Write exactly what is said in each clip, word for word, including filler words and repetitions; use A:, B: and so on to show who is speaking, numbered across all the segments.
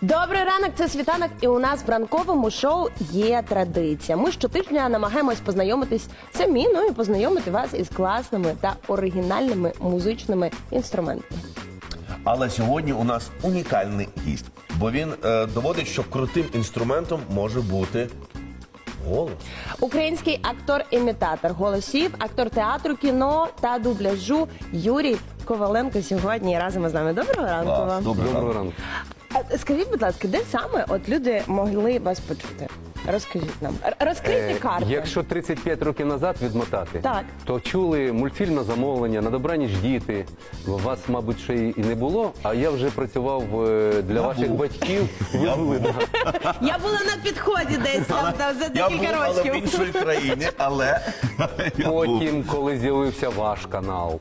A: Добрий ранок, це Світанок, і у нас в ранковому шоу є традиція. Ми щотижня намагаємось познайомитись самі, ну і познайомити вас із класними та оригінальними музичними інструментами.
B: Але сьогодні у нас унікальний гість, бо він е, доводить, що крутим інструментом може бути голос.
A: Український актор-імітатор голосів, актор театру, кіно та дубляжу Юрій Коваленко сьогодні разом із нами. Доброго ранку
B: Клас,
A: вам.
B: доброго
C: Доброго
B: ранку.
C: ранку.
A: А, Скажіть, будь ласка, де саме от люди могли вас почути? Розкажіть нам. Р- Розкрийте
C: Е,
A: карти.
C: Якщо тридцять п'ять років назад відмотати,
A: Так.
C: то чули мультфільм на замовлення, на добраніч діти. Вас, мабуть, ще й не було, а я вже працював е, для
B: Я
C: ваших
B: був.
C: батьків. Ви були, да.
A: Я була на підході десь там, там за
B: Я був,
A: декілька
B: але в
A: років.
B: іншій країні, але я був.
C: Потім, коли з'явився ваш канал,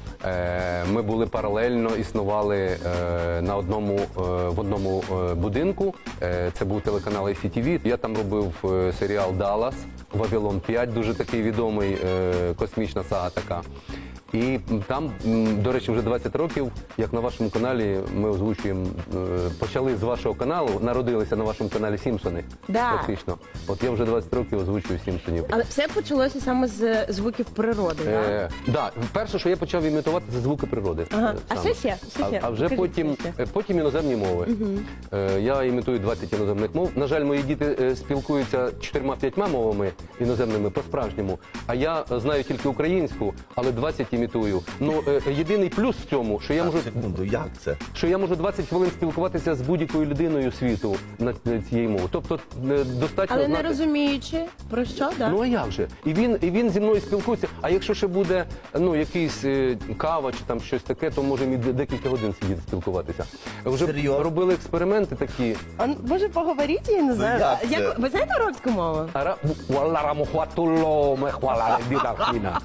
C: е, ми були паралельно, існували е, на одному, е, в одному е, будинку. Е, Це був телеканал ай сі ті ві. Я там робив е, серіал «Даллас», «Вавилон п'ять», дуже такий відомий, е, космічна сага така. І там, м, до речі, вже двадцять років, як на вашому каналі ми озвучуємо, е, почали з вашого каналу, народилися на вашому каналі «Сімпсони».
A: Да.
C: Практично. От я вже двадцять років озвучую «Сімпсонів».
A: Але все почалося саме з звуків природи, так?
C: Е, да, перше, що я почав імітувати, це звуки природи.
A: Ага.
C: Е,
A: А
C: саме.
A: що ще? Що ще?
C: А, а вже
A: Скажіть,
C: потім,
A: що ще?
C: е, потім іноземні мови. Е, я імітую двадцять іноземних мов. На жаль, мої діти е, спілкуються чотирма-п'ятьма мовами іноземними по-справжньому, а я е, знаю тільки українську, але двадцять імітую. Ну, е, єдиний плюс в цьому, що я можу
B: Секунду, як це?
C: що я можу двадцять хвилин спілкуватися з будь-якою людиною світу на на цієї мови. Тобто е, достатньо
A: Але не
C: знати...
A: розуміючи, про що, так?
C: Ну а як же? І він, і він зі мною спілкується. А якщо ще буде ну, якийсь е, кава чи там щось таке, то можемо і декілька годин сидіти спілкуватися. Вже
B: Серйозно?
C: робили експерименти такі.
A: А, може, поговоріть, я не знаю.
B: як
A: А,
B: це?
A: як- ви знаєте арабську мову?
C: Ара- Валарамухватулло мехваларе дідахіна.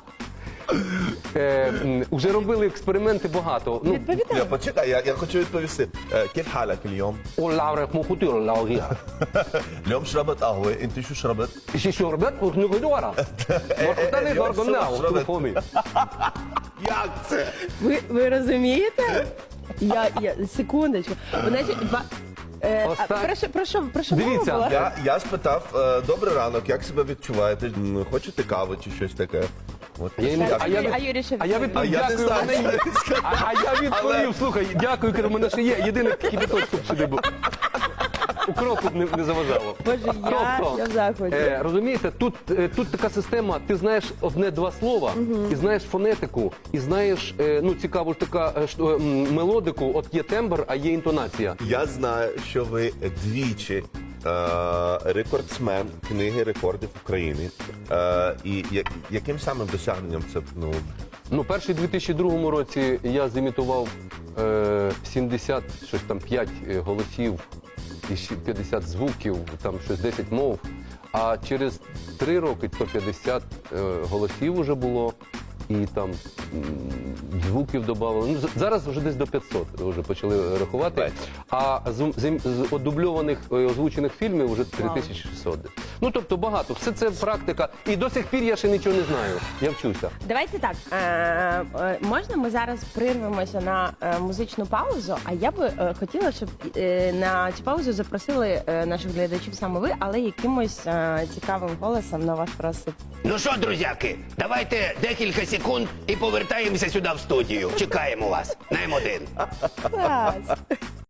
C: Е, м, Уже робили експерименти багато. Ну,
B: Я
A: Відповідаю.
B: почекай, я, я хочу відповісти. Е, Кіф халак اليوم؟
C: Олаврехмухутулло.
B: اليوم شربت قهوة، انت شو شربت؟
C: Ще шорбет, не видора. Моркотаний
B: Йом,
C: горгонау,
B: що ви?
C: телефоні.
B: Як це?
A: Ви, ви розумієте? Я, я, секундочку. Значить, ба- е, а,
C: Остань-
A: про що, про що, про що
C: Дивіться,
A: мова була?
B: Я, я спитав, е, добрий ранок, як себе відчуваєте? М, Хочете каву чи щось таке? От,
C: Я їм-
B: як
A: А
C: а
A: Юрій-
C: я,
A: а Юрій ще
C: а я
A: відповів.
C: відповів,
B: А я не
C: дякую,
B: знаю,
C: мене є. А, а я відповів, слухай, дякую, кажу, мене ще є. Єдине кипяточку б сюди був. Укропу б не, не заважало.
A: Боже, я,
C: Тобто,
A: я в захваті.
C: Е, розумієте, тут, е, тут така система, ти знаєш одне-два слова, і знаєш фонетику, і знаєш, е, ну, цікаву ж така е, що, м, мелодику, от є тембр, а є інтонація.
B: Я знаю, що ви двічі е, рекордсмен книги рекордів України. Е, і я- яким самим досягненням це, ну,
C: Ну, перший у дві тисячі другому році я зімітував е, сімдесят щось там п'ять е, голосів і ще п'ятдесят звуків, там щось десять мов. А через три роки сто п'ятдесят е, голосів вже було. І там м, звуків додавали. Ну, з- зараз вже десь до п'ятсот вже почали рахувати.
B: Бать.
C: А з, з, з одубльованих е, озвучених фільмів вже три тисячі шістсот. Ну, тобто багато. Все це практика. І до сих пір я ще нічого не знаю. Я вчуся.
A: Давайте так. Е, е, можна ми зараз прирвемося на е, музичну паузу? А я би е, хотіла, щоб е, на цю паузу запросили е, наших глядачів саме ви, але якимось е, цікавим голосом на ваш розсуд.
D: Ну що, друзяки, давайте декілька секунд і повертаємося сюди в студію. Чекаємо вас на М один.
A: Клас!